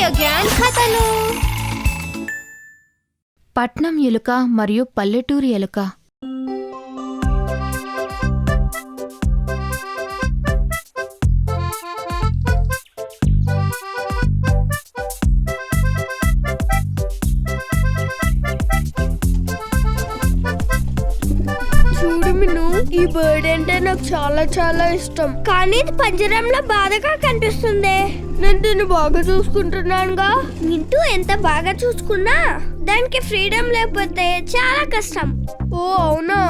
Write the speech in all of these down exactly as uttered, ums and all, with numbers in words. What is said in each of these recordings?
Radio gang కథలు. పట్నం ఎలుక మరియు పల్లెటూరి ఎలుక. ఈ బర్డ్ అంటే నాకు చాలా చాలా ఇష్టం, కానీ ఇది పంజరంలో బాధగా కనిపిస్తుంది. నేను దీన్ని బాగా చూసుకుంటున్నానుగా. వింటూ ఎంత బాగా చూసుకున్నా దానికి ఫ్రీడమ్ లేకపోతే చాలా కష్టం. ఓ అవునా?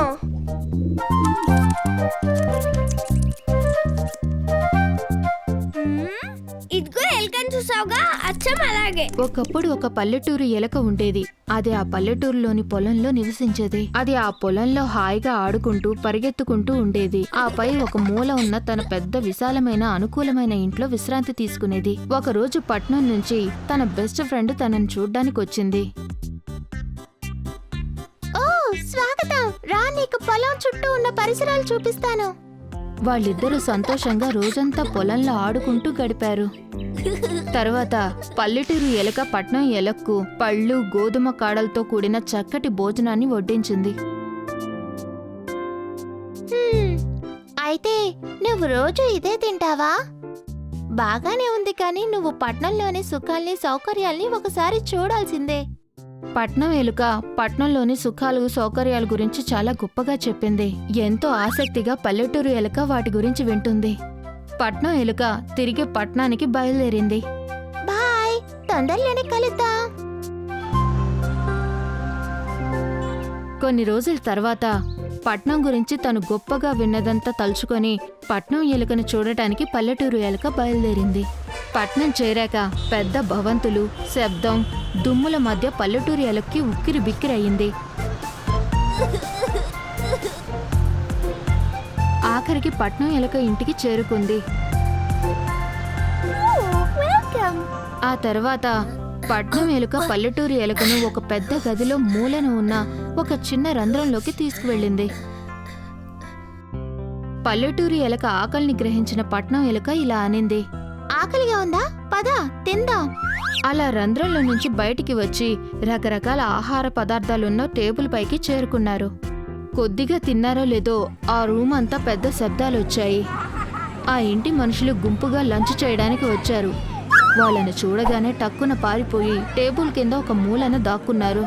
ఇదిగో ఎలుకని చూసావుగా, అచ్చం అలాగే. ఒకప్పుడు ఒక పల్లెటూరు ఎలుక ఉండేది. అది ఆ పల్లెటూరులోని పొలంలో నివసించేది. అది ఆ పొలంలో హాయిగా ఆడుకుంటూ పరిగెత్తుకుంటూ ఉండేది. ఆపై ఒక మూల ఉన్న తన పెద్ద విశాలమైన అనుకూలమైన ఇంట్లో విశ్రాంతి తీసుకునేది. ఒక రోజు పట్నం నుంచి తన బెస్ట్ ఫ్రెండ్ తనని చూడ్డానికి వచ్చింది. ఓ స్వాగతం, రా, నీకు పొలం చుట్టూ ఉన్న పరిసరాలు చూపిస్తాను. వాళ్ళిద్దరూ సంతోషంగా రోజంతా పొలంలో ఆడుకుంటూ గడిపారు. తర్వాత పల్లెటూరు ఎలుక పట్నం ఎలుకకు పళ్ళు గోధుమ కాడలతో కూడిన చక్కటి భోజనాన్ని వడ్డించింది. అయితే నువ్వు రోజు ఇదే తింటావా? బాగానే ఉంది, కానీ నువ్వు పట్నంలోని సుఖాల్ని సౌకర్యాల్ని ఒకసారి చూడాల్సిందే. పట్నం ఎలుక పట్నంలోని సుఖాలు సౌకర్యాల గురించి చాలా గొప్పగా చెప్పింది. ఎంతో ఆసక్తిగా పల్లెటూరు ఎలుక వాటి గురించి వింటుంది. పట్నం ఎలుక తిరిగి పట్నానికి బయలుదేరింది. బాయ్, తొందరలోనే కలుద్దాం. కొన్ని రోజుల తర్వాత పట్నం గురించి తను గొప్పగా విన్నదంతా తలుచుకొని పట్నం ఎలుకను చూడటానికి పల్లెటూరు ఎలుక బయలుదేరింది. పట్నం చేరాక పెద్ద భవంతులు, శబ్దం, దుమ్ముల మధ్య పల్లెటూరు ఎలుకకి ఉక్కిరి బిక్కిరయ్యింది. ఆఖరికి పట్నం ఎలుక ఇంటికి చేరుకుంది. ఆ తర్వాత పట్నం ఎలుక పల్లెటూరు ఎలుకను ఒక పెద్ద గదిలో మూలన ఉన్న ఒక చిన్న రంధ్రంలోకి తీసుకువెళ్ళింది. పల్లెటూరు ఎలుక ఆకలిని గ్రహించిన పట్నం ఎలుక ఇలా అనింది, ఆకలిగా ఉందా? పద తిందాం. అలా రంధ్రంలో నుంచి బయటికి వచ్చి రకరకాల ఆహార పదార్థాలున్న టేబుల్ పైకి చేరుకున్నారు. కొద్దిగా తిన్నారో లేదో ఆ రూమ్ అంతా పెద్ద శబ్దాలొచ్చాయి. ఆ ఇంటి మనుషులు గుంపుగా లంచ్ చేయడానికి వచ్చారు. వాళ్ళని చూడగానే టక్కున పారిపోయి టేబుల్ కింద ఒక మూలన దాక్కున్నారు.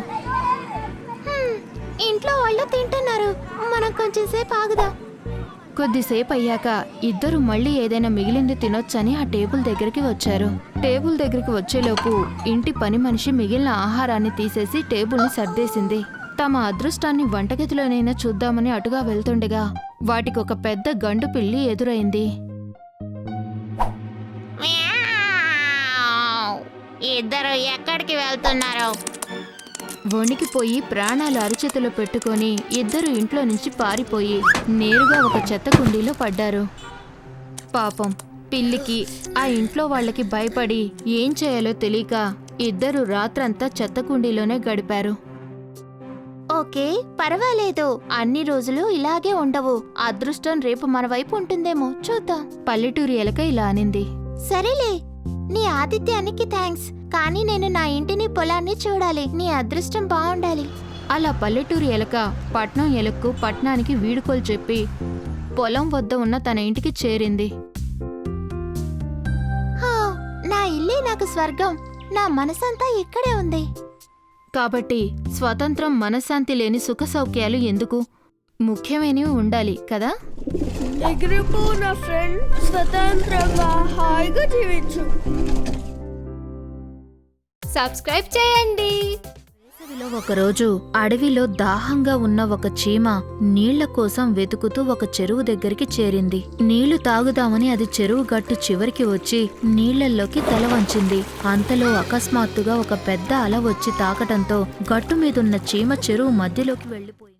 ఇంట్లో వాళ్ళు తింటున్నారు, మనం కొంచెం సేపు ఆగుదాం. కొద్దిసేపు అయ్యాక ఇద్దరు మళ్ళీ ఏదైనా మిగిలింది తినొచ్చని ఆ టేబుల్ దగ్గరికి వచ్చారు. టేబుల్ దగ్గరికి వచ్చేలోపు ఇంటి పని మనిషి మిగిలిన ఆహారాన్ని తీసేసి టేబుల్ని సర్దేసింది. తమ అదృష్టాన్ని వంటగదిలోనైనా చూద్దామని అటుగా వెళ్తుండగా వాటికి ఒక పెద్ద గండు పిల్లి ఎదురైంది. ఇద్దరు ఎక్కడికి వెళ్తున్నారు? వణికిపోయి ప్రాణాలు అరిచేతిలో పెట్టుకొని ఇద్దరు ఇంట్లో నుంచి పారిపోయి నేరుగా ఒక చెత్త కుండీలో పడ్డారు. పాపం పిల్లికి ఆ ఇంట్లో వాళ్ళకి భయపడి ఏం చేయాలో తెలియక ఇద్దరు రాత్రంతా చెత్త కుండీలోనే గడిపారు. ఓకే, పర్వాలేదు, అన్ని రోజులు ఇలాగే ఉండవు. అదృష్టం రేపు మన వైపు ఉంటుందేమో, చూద్దాం. పల్లెటూరి ఎలుక ఇలా అనింది. సరేలే, నీ ఆతిథ్యానికి థ్యాంక్స్, కానీ నేను నా ఇంటిని పొలాన్ని చూడాలి. నీ అదృష్టం బాగుండాలి. అలా పల్లెటూరు ఎలుక పట్నం ఎలుకకు పట్నానికి వీడుకోలు చెప్పి పొలం వద్ద ఉన్న తన ఇంటికి చేరింది. నా ఇల్లే నాకు స్వర్గం, నా మనసంతా ఇక్కడే ఉంది. కాబట్టి స్వతంత్రం, మనశ్శాంతి లేని సుఖ సౌఖ్యాలు ఎందుకు? ముఖ్యమైనవి ఉండాలి కదా. ఎగిరిపో నా ఫ్రెండ్, స్వతంత్రంగా హాయిగా జీవించు. సబ్స్క్రైబ్ చేయండి. ఒకరోజు అడవిలో దాహంగా ఉన్న ఒక చీమ నీళ్ల కోసం వెతుకుతూ ఒక చెరువు దగ్గరికి చేరింది. నీళ్లు తాగుదామని అది చెరువు గట్టు చివరికి వచ్చి నీళ్లల్లోకి తల వంచింది. అంతలో అకస్మాత్తుగా ఒక పెద్ద అల వచ్చి తాకటంతో గట్టు మీదున్న చీమ చెరువు మధ్యలోకి వెళ్లిపోయింది.